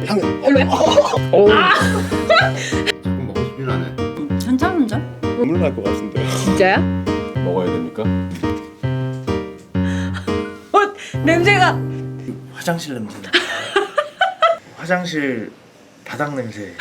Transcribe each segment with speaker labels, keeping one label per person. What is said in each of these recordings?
Speaker 1: 당근.
Speaker 2: 별로야?
Speaker 1: 조금 먹고 싶긴 하네.
Speaker 3: 괜찮은데?
Speaker 1: 눈물 날 것 같은데.
Speaker 2: 진짜야?
Speaker 4: 먹어야 됩니까?
Speaker 2: 냄새가
Speaker 5: 화장실 냄새. 화장실 바닥 냄새.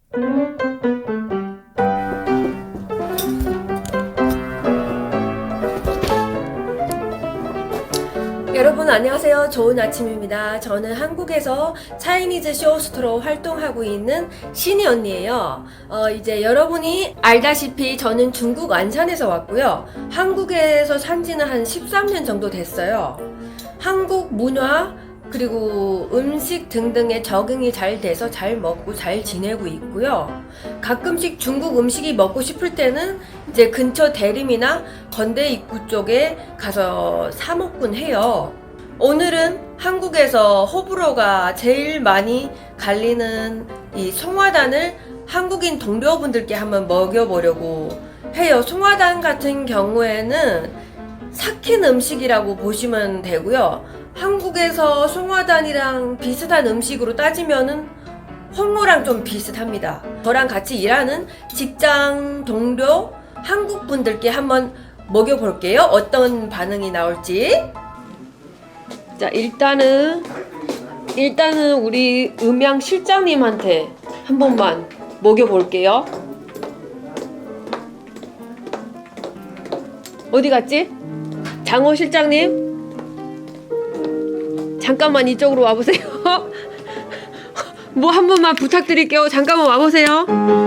Speaker 6: 여러분 안녕하세요. 좋은 아침입니다. 저는 한국에서 차이니즈 쇼호스트로 활동하고 있는 신이 언니예요. 이제 여러분이 알다시피 저는 중국 안산에서 왔고요. 한국에서 산 지는 한 13년 정도 됐어요. 한국 문화 그리고 음식 등등에 적응이 잘 돼서 잘 먹고 잘 지내고 있고요. 가끔씩 중국 음식이 먹고 싶을 때는 이제 근처 대림이나 건대 입구 쪽에 가서 사 먹곤 해요. 오늘은 한국에서 호불호가 제일 많이 갈리는 이 송화단을 한국인 동료분들께 한번 먹여보려고 해요. 송화단 같은 경우에는 삭힌 음식이라고 보시면 되고요. 한국에서 송화단이랑 비슷한 음식으로 따지면은 홍어랑 좀 비슷합니다. 저랑 같이 일하는 직장 동료 한국 분들께 한번 먹여볼게요. 어떤 반응이 나올지. 자, 일단은 우리 음향 실장님한테 한 번만 먹여볼게요. 어디 갔지? 장호 실장님? 잠깐만 이쪽으로 와보세요. 뭐 한 번만 부탁드릴게요. 잠깐만 와보세요.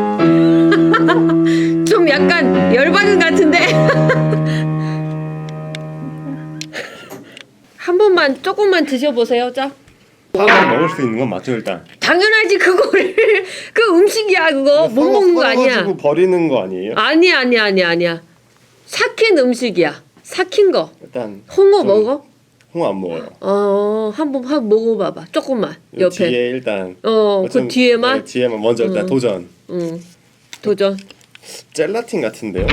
Speaker 6: 좀 약간 열받은 것 같은데. 한 번만 조금만 드셔보세요. 자.
Speaker 1: 사람 먹을 수 있는 건 맞죠 일단.
Speaker 6: 당연하지 그거를. 그 음식이야 그거. 못 먹는 거 아니야.
Speaker 1: 썰어가지고 버리는 거 아니에요?
Speaker 6: 아니야. 삭힌 음식이야. 삭힌 거.
Speaker 1: 일단
Speaker 6: 홍어 먹어?
Speaker 1: 홍어 안 먹어요.
Speaker 6: 한번 먹어봐봐. 조금만 옆에.
Speaker 1: 뒤에 일단.
Speaker 6: 그 뒤에만.
Speaker 1: 네, 뒤에만 먼저 일단 도전.
Speaker 6: 도전.
Speaker 1: 젤라틴 같은데요?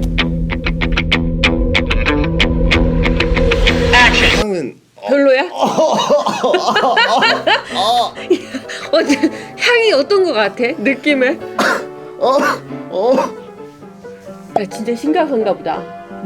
Speaker 1: 향은
Speaker 6: 별로야? 향이 어떤 거 같아? 느낌에? 야 진짜 심각한가 보다.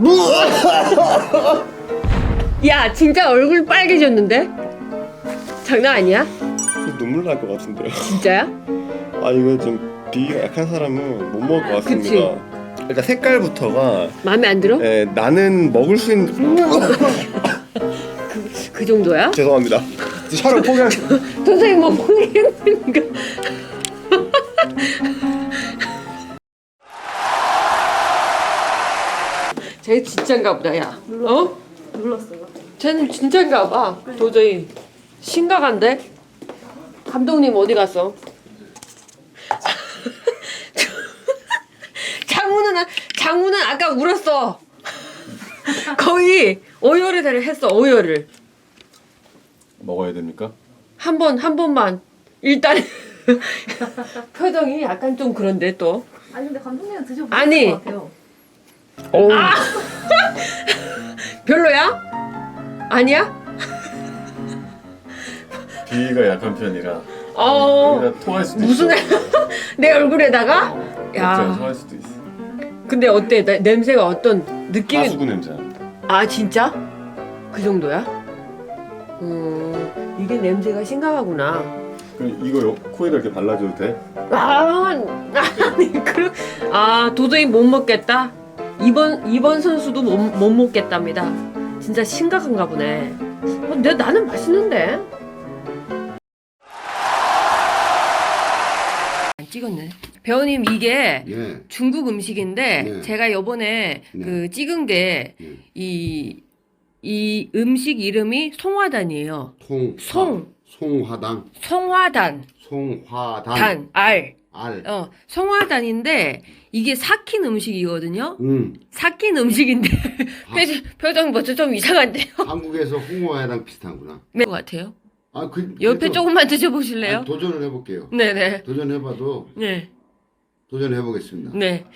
Speaker 6: 야 진짜 얼굴 빨개졌는데? 장난 아니야?
Speaker 1: 눈물 날 것 같은데요.
Speaker 6: 진짜야?
Speaker 1: 아 이거 좀 비위가 약한 사람은 못 먹을 것 같습니다. 일단 색깔부터가
Speaker 6: 마음에 안 들어?
Speaker 1: 네, 나는 먹을 수 있는
Speaker 6: 그 정도야?
Speaker 1: 죄송합니다. 촬영 포기하겠습니다.
Speaker 6: 선생님 뭐 포기했으니까. 쟤 진짠가 보다 야.
Speaker 3: 눌렀어요.
Speaker 6: 쟤는 진짠가 봐. 도저히 심각한데? 감독님 어디 갔어? 장모는 아까 울었어. 거의 오열을 했어. 오열을.
Speaker 4: 먹어야 됩니까?
Speaker 6: 한 번만. 일단 표정이 약간 좀 그런데 또.
Speaker 3: 아니 근데 감독님은 드셔보실
Speaker 6: 아니.
Speaker 3: 것 같아요.
Speaker 6: 별로야? 아니야?
Speaker 4: 비위가 약한 편이라
Speaker 6: 어.
Speaker 4: 여기다 토할 수도
Speaker 6: 무슨
Speaker 4: 있어.
Speaker 6: 내 얼굴에다가?
Speaker 4: 야. 토할 수도 있어.
Speaker 6: 근데 어때? 냄새가 어떤 느낌이?
Speaker 4: 가수구 냄새.
Speaker 6: 아 진짜? 그 정도야? 이게 냄새가 심각하구나.
Speaker 4: 그럼 이거 코에다 이렇게 발라줘도 돼?
Speaker 6: 도저히 못 먹겠다. 이번 선수도 못 먹겠답니다. 진짜 심각한가 보네. 나는 맛있는데. 안 찍었네. 배우님 이게
Speaker 1: 네.
Speaker 6: 중국 음식인데
Speaker 1: 네.
Speaker 6: 제가 요번에
Speaker 1: 네.
Speaker 6: 그 찍은 게 이 음식 이름이 송화단이에요.
Speaker 1: 송화단.
Speaker 6: 송화단. 알. 송화단인데 이게 삭힌 음식이거든요. 삭힌 음식인데 표정 벌써 좀 이상한데요?
Speaker 7: 한국에서 홍어회랑 비슷한구나.
Speaker 6: 네, 것 같아요.
Speaker 7: 옆에
Speaker 6: 옆에 조금만 드셔보실래요?
Speaker 7: 도전을 해볼게요.
Speaker 6: 네네.
Speaker 7: 도전해봐도
Speaker 6: 네.
Speaker 7: 도전해보겠습니다.
Speaker 6: 네.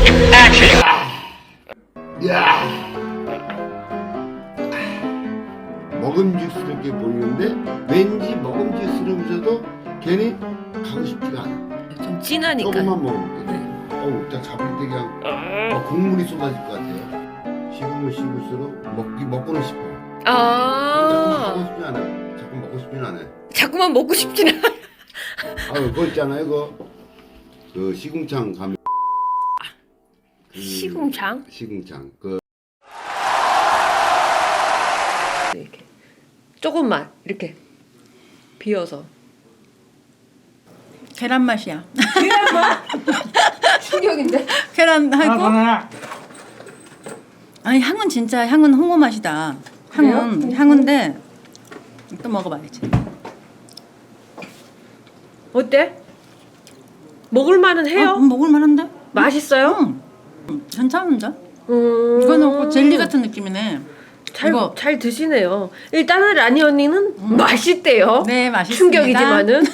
Speaker 7: 야, 먹음직스럽게 보이는데 왠지 먹음직스러우면서도 괜히 가고 싶지가 않아.
Speaker 6: 좀 진하니까.
Speaker 7: 조금만 먹으면 돼. 어우, 딱 잡을 때 그냥 국물이 쏟아질 것 같아요. 식으면 식을수록 먹고는 싶어. 자꾸
Speaker 6: 아,
Speaker 7: 먹고 싶지 않아. 자꾸 먹고 싶지는 않아.
Speaker 6: 자꾸만 먹고 싶진 않아.
Speaker 7: 아유, 그거 있잖아요, 그 시궁창 가면.
Speaker 6: 시궁창?
Speaker 7: 시궁창.
Speaker 6: 이렇게 조금만 이렇게 비워서.
Speaker 2: 계란 맛이야.
Speaker 6: 충격인데?
Speaker 2: 계란 하고. 아니 향은 진짜 향은 홍어 맛이다. 향은 향인데 또 먹어봐야지.
Speaker 6: 어때? 먹을만은 해요?
Speaker 2: 먹을 만한데?
Speaker 6: 맛있어요?
Speaker 2: 괜찮은데? 이거는 꼭 젤리 같은 느낌이네. 이거.
Speaker 6: 잘 드시네요. 일단은 라니 언니는 맛있대요.
Speaker 2: 네, 맛있습니다.
Speaker 6: 충격이지만은.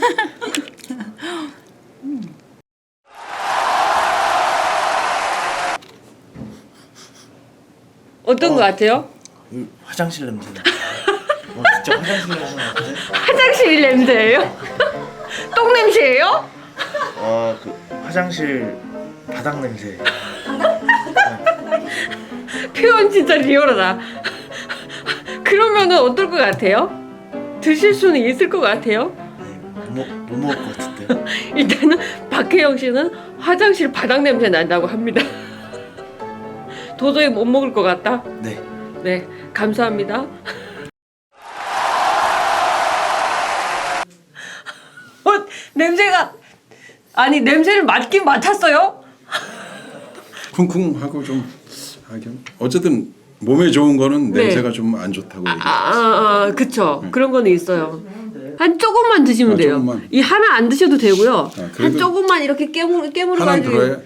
Speaker 6: 어떤 것 같아요?
Speaker 5: 화장실 냄새나. 진짜 화장실 냄새 같은데?
Speaker 6: 화장실 냄새예요? 똥 냄새예요?
Speaker 5: 화장실 바닥 냄새.
Speaker 6: 표현 진짜 리얼하다. 그러면은 어떨 것 같아요? 드실 수는 있을 것 같아요?
Speaker 5: 못 먹을 것 같은데요?
Speaker 6: 일단은 박혜영 씨는 화장실 바닥 냄새 난다고 합니다. 도저히 못 먹을 것 같다.
Speaker 5: 네.
Speaker 6: 네, 감사합니다. 냄새가 아니 냄새를 맡긴 맡았어요?
Speaker 8: 쿵쿵하고 좀 하긴 어쨌든 몸에 좋은 거는
Speaker 6: 네.
Speaker 8: 냄새가 좀 안 좋다고 얘기해요.
Speaker 6: 그쵸. 그런 거는 있어요. 한 조금만 드시면 돼요.
Speaker 8: 조금만.
Speaker 6: 이 하나 안 드셔도 되고요.
Speaker 8: 그래도
Speaker 6: 한 조금만 이렇게 깨물어
Speaker 8: 하나는
Speaker 6: 가지고.
Speaker 8: 들어야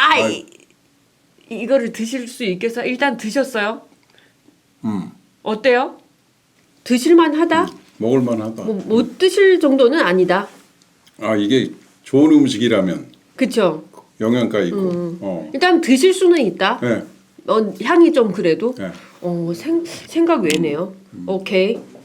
Speaker 6: 이거를 드실 수 있겠어요? 일단 드셨어요?
Speaker 8: 음,
Speaker 6: 어때요? 드실만하다?
Speaker 8: 먹을만하다.
Speaker 6: 못 드실 정도는 아니다.
Speaker 8: 아 이게 좋은 음식이라면
Speaker 6: 그쵸?
Speaker 8: 영양가 있고.
Speaker 6: 일단 드실 수는 있다.
Speaker 8: 네.
Speaker 6: 향이 좀 그래도.
Speaker 8: 네.
Speaker 6: 생각 외네요. 오케이.